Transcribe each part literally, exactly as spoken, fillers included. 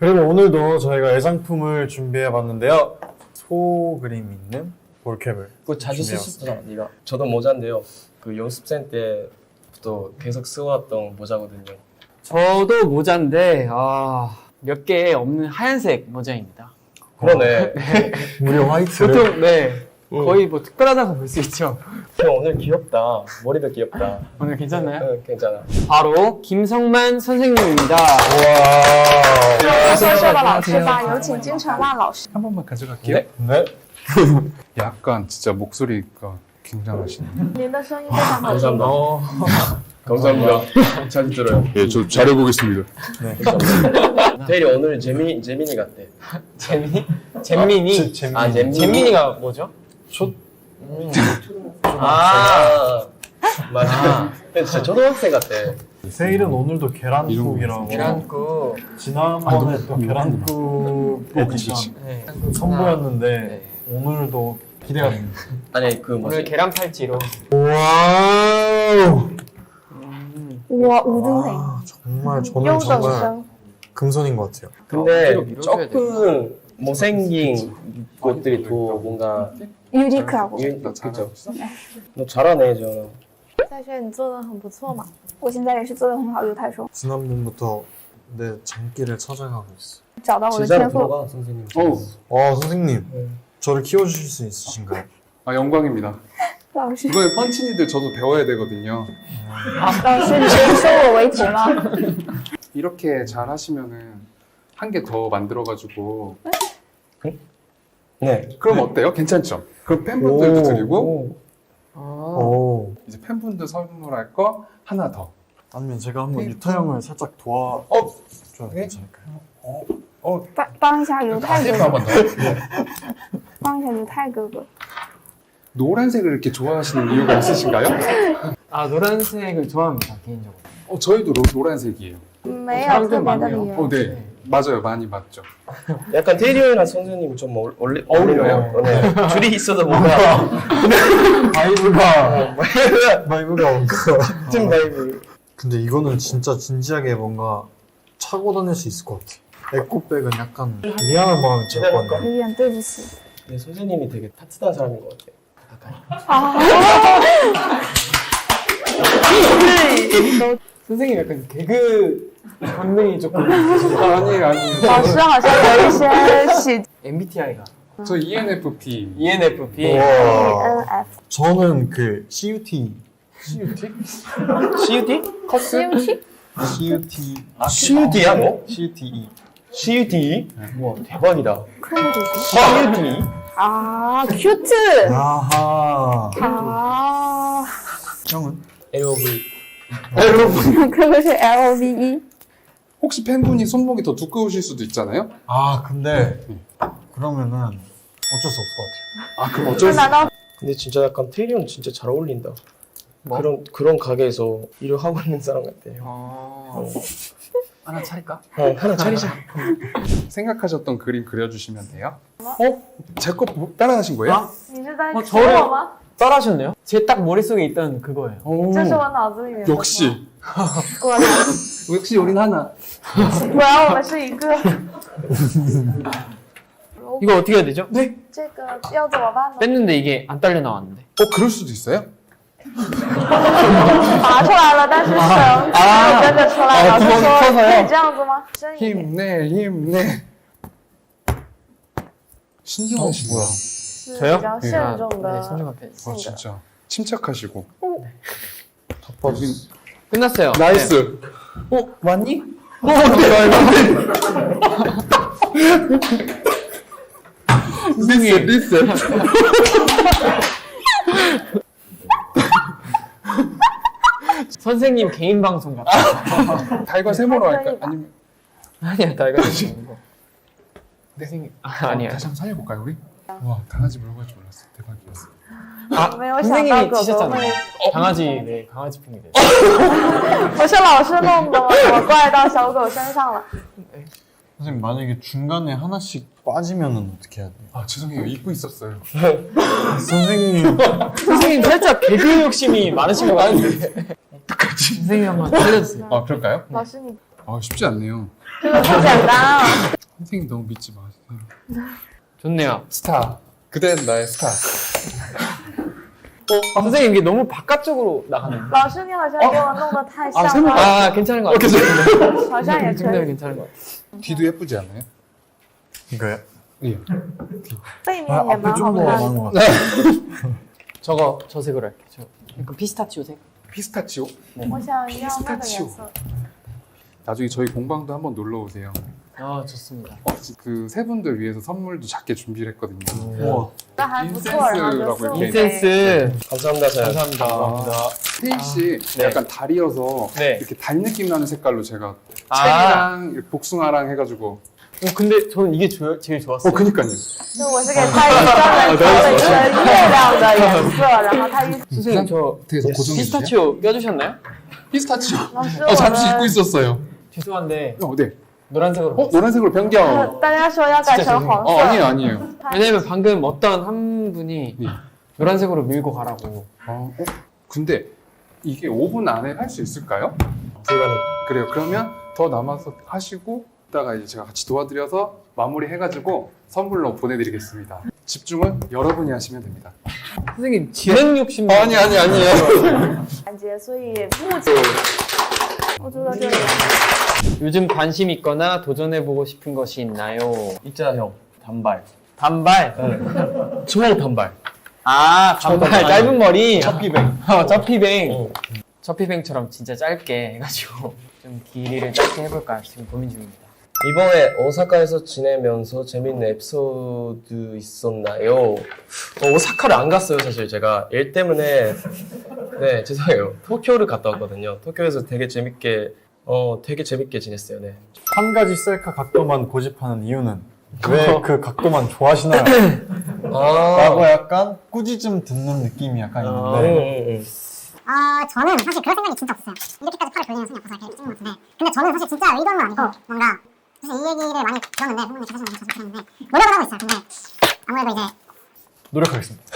그리고 오늘도 저희가 애장품을 준비해봤는데요. 소 그림 있는 볼캡을 그거 자주 준비해봤습니다. 쓰셨잖아, 네가. 저도 모자인데요. 그 연습생 때부터 계속 쓰고왔던 모자거든요. 저도 모자인데 아, 몇 개 없는 하얀색 모자입니다. 그러네. 우리 화이트를 보통 네 응. 거의 뭐 특별하다고 볼 수 있죠. 형 오늘 귀엽다. 머리도 귀엽다. 오늘 괜찮나요? 응, 괜찮아. 바로 김성만 선생님입니다. 说说的老师吧，有请金城万老师。 한 번만 가져갈게요. 네? 네. 약간 진짜 목소리가 굉장하시네요. 您的声音非常好听。 감사합니다. 어. 감사합니다. 잘 들어요. 예, 저 잘해보겠습니다. 감사합니다. 대리 오늘 재미 재민이 같대. 재미? 잼민이? 지- 잼민이. 아, 잼민이. 잼민이가 뭐죠? 아, 맞아. 근데 진짜 초등학생 같대. 세일은 오늘도 계란국이라고 계란국. 지난번에 또 음. 계란국 어, 그치, 그치. 네. 선보였는데 오늘도 기대가 됩니다. 아니 그 오늘 뭐지? 계란 팔찌로. 와우. 我吴宗培， 아, 정말 优 저는 等 정말 生。 금손인 것 같아요. 근데 어깨로 밀어줘야 조금 못생긴 것들이 더 뭔가 Uniqlo。 유- 그죠? 너 잘하네, 저. 在这你做的很不错嘛。我现在也是做的很好，犹太说 지난번부터 내 장기를 찾아가고 있어. 找到我的 제자로 天赋。 들어가, 선생님. 어우, 어 선생님, 네. 저를 키워주실 수 있으신가요? 아, 영광입니다. 老师， 이번에 펀치니들 저도 배워야 되거든요. 老师，你是收我为徒吗？ 이렇게 잘 하시면은 한 개 더 만들어가지고. 네. 그럼 어때요? 괜찮죠? 그럼 팬분들도 오. 드리고, 아, 오. 이제 팬분들 선물할 거 하나 더. 아니면 제가 한번 유타 형을 살짝 도와 어? 줘도 네? 괜찮을까요? 帮帮一下犹太哥 한 哥， 번 더. 帮一下犹太哥哥。 노란색을 이렇게 좋아하시는 이유가 있으신가요? 아 노란색을 좋아합니다 개인적으로. 어, 저희도 로, 노란색이에요. 没有特别的理 어, 由。 네. 맞아요. 많이 맞죠. 약간 테리 형이랑 선생님이 좀 어울, 어울리, 어울려요? 어울리네요. 네. 둘이 있어도 뭔가 바이브가 바이브가 뭔가. 같은 바이브. 근데 이거는 진짜 진지하게 뭔가 차고 다닐 수 있을 것 같아. 에코백은 약간 미안한 마음이 들 것 같네. 有点对不起。 네, 선생님이 되게 따뜻한 사람인 것 같아요. 가까이. 啊， 선생님 약간 개그 본능이 조금 아, 아니에요, 아니에요. 老师好像有一些喜 엠비티아이가 저 이엔에프피. 이엔에프피. E N F。 저는 그 씨유티 씨유티? 씨유티? CUT？ 씨유티 씨유티야, 뭐? 씨유티 씨유티? 와, 대박이다. 씨유티。 啊，cute。 아하. 啊， 형은? 엘오브이. 哥哥是 L O V E。 혹시 팬분이 손목이 더 두꺼우실 수도 있잖아요? 아 근데 그러면은 어쩔 수 없을 것 같아요. 아, 그럼 这 어쩔 수 难道 근데 진짜 약간 테리 형 진짜 잘 어울린다. 뭐? 그런 그런 가게에서 일을 하고 있는 사람 같아요. 어... 하나 차릴까? 어, 하나 차리자. 생각하셨던 그림 그려주시면 돼요. 어? 제 거 따라하신 거예요? 你是在 어 说我吗？ 따라하셨네요? 제 딱 머릿속에 있던 그거예요. 这是我脑子里面的。 역시. 果然， 역시 우린 하나. 果然我们是一个。 이거 어떻게 해야 되죠? 네. 这个要怎么办呢？ 뺐는데 이게 안 딸려 나왔는데. 어, 그럴 수도 있어요? 拔出来了，但是绳没有跟着出来。老师说可以这样子吗？深一点。 힘내, 힘내. 신기하시네요. 是 저요? 比较慎重 네, 的 손좀 앞에. 아, 性格。 진짜. 침착하시고. 덮어주세요. 끝났어요. 나이스. 어 왔니? 어, 네, 리셋, 리셋. 선생님 개인 방송 같아. 달과 세모로 할까요? 아니면. 아니야 달가 아니고. 선생님 아, 아니야. 다시 한번 살려볼까요, 우리? 와, 강아지 물고 할 줄 몰랐어. 대박이었어. 아 没有想到 선생님이 狗狗 치셨잖아요. 会。 강아지 네 강아지 핑이 돼. 不是老师弄的，我怪到小狗身上了。 선생님 만약에 중간에 하나씩 빠지면은 어떻게 해야 돼요? 아, 죄송해요. 입고 있었어요. 선생님 선생님 살짝 개그 욕심이 많으신 것 같은데. 어떡하지? 선생님 한번 알려주세요. 아, 그럴까요? 老师你 아, 쉽지 않네요. 这个不简单啊。 선생님 너무 믿지 마세요. 좋네요. 스타. 그대는 나의 스타. 어, 선생님 이게 너무 바깥쪽으로 나가네요. 老师，你好像给我弄得太像 아, 了， 아, 괜찮은 것 같아요. 好像也可 정말 以。 괜찮은 것 같아요. 뒤도 예쁘지 않아요? 이거요? 예. 背面 아, 也 앞에 蛮好 좀 더 看 나은 的。 것 같아. 저거 저 색으로 할게요. 저 약간 피스타치오색. 피스타치오? 我想要那个颜 피스타치오 色。 나중에 저희 공방도 한번 놀러 오세요. 아 좋습니다. 그 세 분들 위해서 선물도 작게 준비를 했거든요. 우와. 那还不错，然后就 인센스라고 送 이렇게 给 인센스. 감사합니다. 사연. 감사합니다. 스테이 씨 네. 약간 달이어서 네. 이렇게 달 느낌 나는 색깔로 제가 아. 책이랑 이렇게 복숭아랑 해가지고 어, 근데 저는 이게 조, 제일 좋았어요. 어 그니까요. 就我是给他一个专门挑了一个月亮的颜色，然后他一 선생님 저 되게 고정해 주세요. 피스타치오 껴주셨나요? 피스타치오. 老师， 어 我 잠시 입고 们 있었어요. 죄송한데 어 네. 노란색으로. 어 노란색으로 변경. 大家说要改成黄 어 色， 아니에요 아니에요. 왜냐면 방금 어떤 한 분이 네. 노란색으로 밀고 가라고. 어, 어? 근데 이게 오 분 안에 할 수 있을까요? 불가능. 그래요. 그러면 더 남아서 하시고 이따가 이제 제가 같이 도와드려서 마무리 해가지고 선물로 보내드리겠습니다. 집중은 여러분이 하시면 됩니다. 선생님 진행 욕심. 아니 아니 아니에요. 环节，所以目前我觉得这个 요즘 관심 있거나 도전해보고 싶은 것이 있나요? 있잖아 형. 단발. 단발. 초목 단발. 아 단발 단발. 짧은 머리. 첫비뱅. 어, 첫피뱅. 어. 첫피뱅처럼 진짜 짧게 해가지고 좀 길이를 짧게 해볼까 지금 고민 중입니다. 이번에 오사카에서 지내면서 재밌는 에피소드 있었나요? 어, 오사카를 안 갔어요 사실 제가 일 때문에. 네 죄송해요. 도쿄를 갔다 왔거든요. 도쿄에서 되게 재밌게 어 되게 재밌게 지냈어요. 네. 한 가지 셀카 각도만 고집하는 이유는 왜 그 각도만 좋아하시나요? 아. 라고 약간 꾸짖음 듣는 느낌이 약간 응, 있는데 응, 응. 아 저는 사실 그런 생각이 진짜 없었어요. 이렇게까지 팔을 돌리는 손이 없어서 이렇게 찍는 것 같은데 근데 저는 사실 진짜 의도는 아니고 뭔가 사실 이 얘기를 많이 들었는데 부모님이 자주 자주 들었는데 노력을 하고 있어요. 근데 아무래도 이제 노력하겠습니다.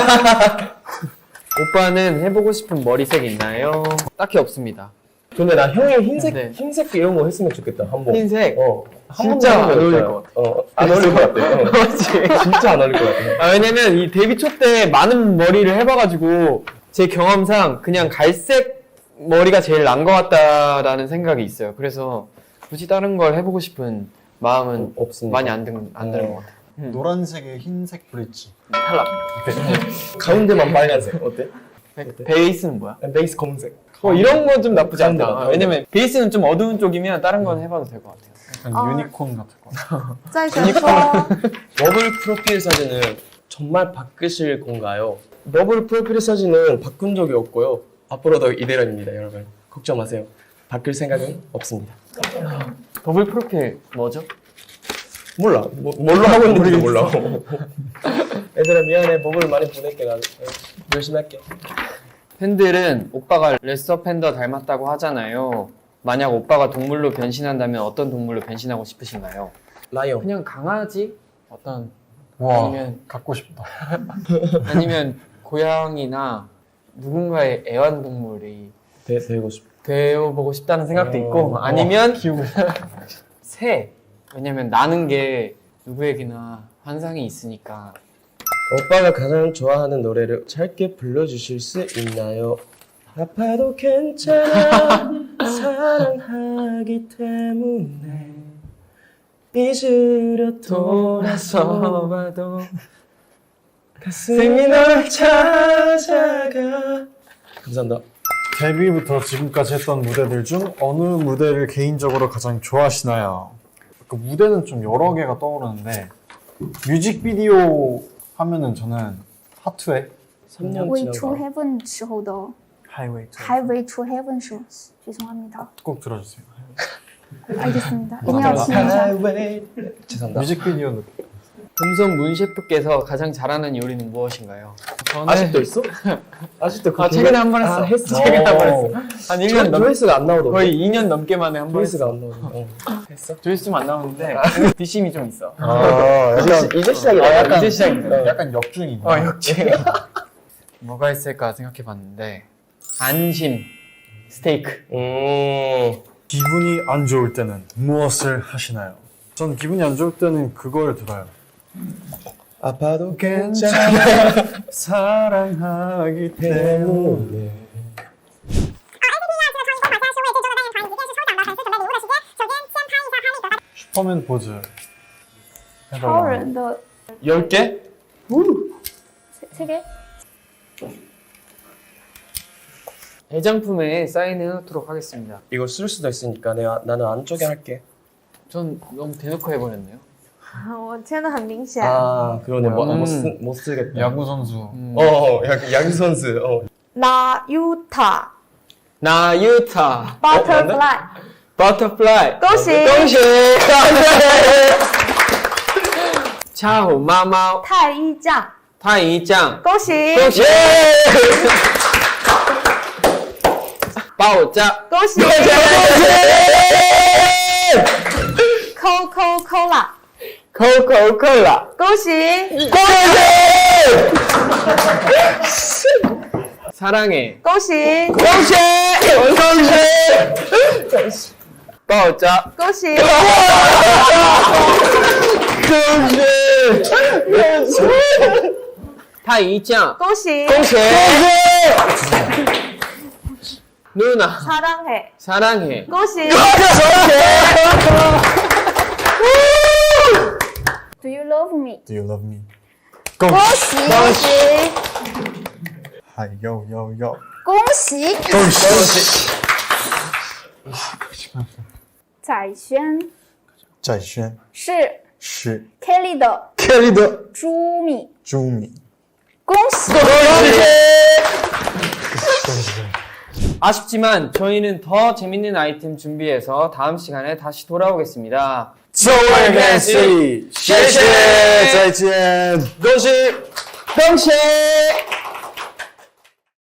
오빠는 해보고 싶은 머리색 있나요? 딱히 없습니다. 근데 나 형이 흰색 네. 흰색 이런 거 했으면 좋겠다 한번. 흰색? 어. 한 진짜 번도 안 어울릴 해보자. 것 같아. 어. 안 어울릴 것 같아. 어. 맞지? 진짜 안 어울릴 것 같아. 아, 왜냐면 이 데뷔 초 때 많은 머리를 해봐가지고 제 경험상 그냥 갈색 머리가 제일 난 것 같다라는 생각이 있어요. 그래서 굳이 다른 걸 해보고 싶은 마음은 없습니다. 많이 안, 든, 안 드는 것 같아요. 음. 노란색에 흰색 브릿지. 탈락. 가운데만 빨간색 어때? 베, 베이스는 뭐야? 베이스 검은색. 어, 이런 건 좀 나쁘지 않다. 가운데만, 아, 왜냐면 베이스는 좀 어두운 쪽이면 다른 건 해봐도 될 것 같아요. 약간 어. 유니콘 같을 것 같아. 再选说 버블 프로필 사진은 정말 바꾸실 건가요? 버블 프로필 사진은 바꾼 적이 없고요. 앞으로도 이대로입니다, 여러분. 걱정 마세요. 바꿀 생각은 없습니다. 더블 프로필 뭐죠? 몰라. 뭐, 뭘로 하고 있는지 몰라. 얘들아 미안해. 버블 많이 보낼게. 나 열심히 할게. 팬들은 오빠가 레스터 팬더 닮았다고 하잖아요. 만약 오빠가 동물로 변신한다면 어떤 동물로 변신하고 싶으신가요? 라이언. 그냥 강아지? 어떤 와, 아니면 갖고 싶다. 아니면 고양이나 누군가의 애완동물이 되, 되고 싶어. 되어보고 싶다는 생각도 있고 어, 아니면 새. 왜냐면 나는 게 누구에게나 환상이 있으니까. 오빠가 가장 좋아하는 노래를 짧게 불러주실 수 있나요? 아파도 괜찮아 사랑하기 때문에 잊으려 돌아서 봐도 가슴이 널 찾아가. 감사합니다. 데뷔부터 지금까지 했던 무대들 중 어느 무대를 개인적으로 가장 좋아하시나요? 그 무대는 좀 여러 개가 떠오르는데 뮤직비디오 하면은 저는 하투의 삼 년 Way to 지나가. Heaven 时候的 Highway to Highway to Heaven 时 죄송합니다. 꼭 들어주세요. 알겠습니다. 一定要听一下. 죄송합니다. 뮤직비디오 느낌. 금손 문 셰프께서 가장 잘하는 요리는 무엇인가요? 저는 아직도 있어? 아직도 그 아, 최근에 한 번 했어. 아, 했어. 최근에 한 번 했어. 한 일 년 조, 넘, 조회수가 안 나오던데. 거의 이 년 넘게 만에 한 번 했어. 조회수가 안 나오던데. 어. 했어? 조회수 좀 안 나오는데 뒷심이 좀 있어. 아, 이제, 시- 이제 시작이다. 아, 약간 이제 시작이다. 약간 역중이구나. 어, 역시. 뭐가 있을까 생각해봤는데 안심 스테이크. 음. 기분이 안 좋을 때는 무엇을 하시나요? 전 기분이 안 좋을 때는 그걸 들어요. 아파도 괜찮아. 사랑하기 때문에. 슈퍼맨 포즈 超 해달라. 人的 열 개? 这这个 애장품에 사인해 놓도록 하겠습니다. 이걸 쓸 수도 있으니까 내가 나는 안쪽에 할게. 전 너무 대놓고 해버렸네요. 我真的很明显。 아 그러네. 뭐, 음. 못, 쓰, 못 쓰겠다. 야구 선수. 어, 어 야, 야구 선수. 어. 나 유타 나유타 butterfly 버터플라이 恭喜恭喜차오 마마오 太一酱， 타이짱 恭喜恭喜爆炸恭喜 Coca Cola， 코코콜라 恭喜 사랑해 恭喜恭喜恭喜爆炸恭喜 타이짱 恭喜恭喜 누나 사랑해 사랑해 恭喜 Do you love me？ Do you love me? 恭恭喜恭喜嗨哟哟哟！ 恭喜！ 恭喜！ 彩萱在轩是是 Kelly 的 Kelly 的朱米， 朱米。 恭喜！ 아쉽지만 저희는 더 재밌는 아이템 준비해서 다음 시간에 다시 돌아오겠습니다. 周二开始，谢谢，再见。 恭喜恭喜！